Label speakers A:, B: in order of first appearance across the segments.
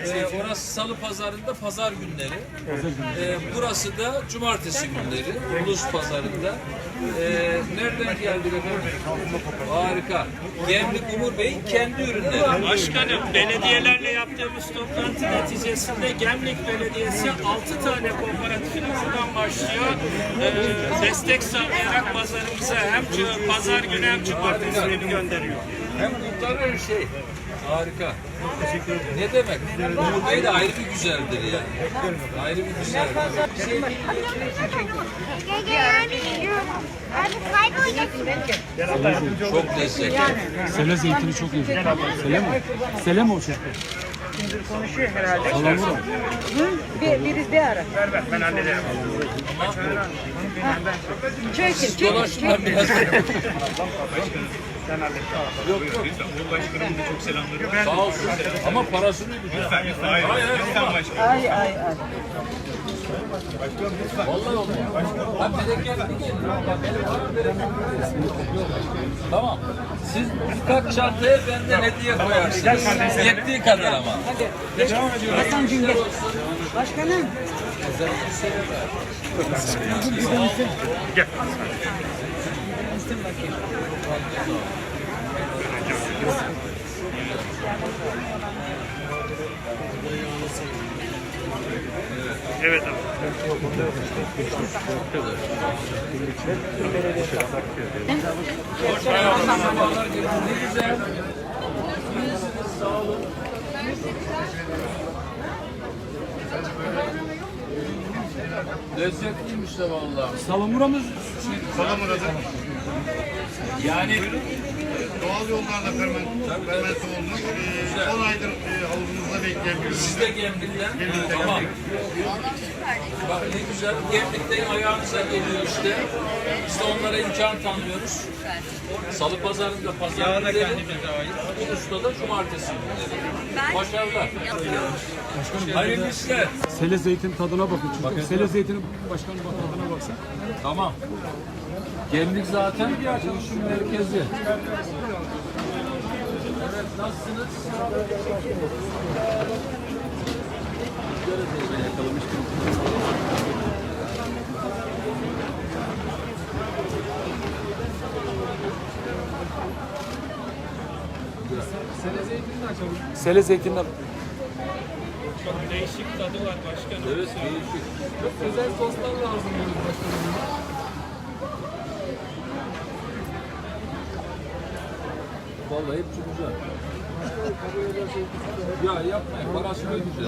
A: Orası salı pazarında pazar günleri. Burası da cumartesi günleri. Ulus pazarında. Nereden geldik efendim? Harika. Gemlik Umur Bey'in kendi ürünleri.
B: Başkanım, belediyelerle yaptığımız toplantı neticesinde Gemlik Belediyesi 6 tane kooperatifin buradan başlıyor. Destek sağlayarak pazarımıza hem pazar günü hem cumartesi günü gönderiyor.
A: Hem kurtarır şey. Harika. Teşekkür ederim. Ne demek? Umur Bey de ayrı bir güzeldir yani. Ayrı bir güzeldir. Çok lezzetli.
C: Sele zeytini çok iyi. Sele mi? Sele mi o şey?
D: Konuşuyor herhalde.
C: Salamura.
D: Biri bir ara.
B: Ver ben hallederim.
D: Çekin.
A: Dolaşma biraz.
B: Sen hallet. Yok. Başkanımın da çok selamları.
A: Sağ olsun. Ama parasını ödeyeceğim.
B: Hayır. Lütfen başkanım.
D: Ay.
A: Vallahi olmuyor. Ben bereketli geliyorum. Tamam. Siz birkaç çantaya benden hediye koyarsınız. Yettiği kadar ama.
D: Hasan Cüngel. Başkanım.
B: Gel. Evet abi.
A: Sabahlar geliyor. Ne güzel. İyisiniz, sağ olun. Lezzetliymiş de vallahi.
C: Salamura
B: Salamura'da
A: Yani
E: Doğal yollarla fermente olmuş. 10 aydır havuzumuzda bekleyen bir ürün.
A: siz de Gemlik'ten. Tamam. Bak ne güzel. Gemlik'ten ayağınıza geliyor işte. Biz de onlara imkan tanıyoruz. Salı pazarında pazar günleri. Ulus'ta da cumartesi günleri. Başarılar. Hayırlı işler.
C: Sele zeytin tadına bakın. Çünkü Sele zeytinin başkanım bak tadına baksın.
A: Tamam. Gemlik zaten bir işin merkezi. Evet, nasılsınız?
C: Sele zeytinden.
B: çok değişik tadı var başkanım.
A: Evet, değişik.
C: Özel soslar lazım başkanım.
A: Vallahi hepsi güzel. Ya yapmayın, parası da güzel.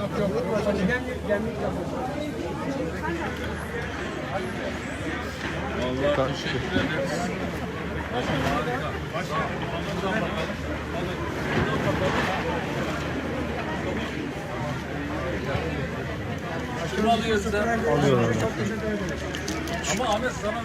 A: Vallahi teşekkür ederiz. Harika. Buradan bakalım. Şunu alıyoruz da. Alıyorum. Ama Ahmet sana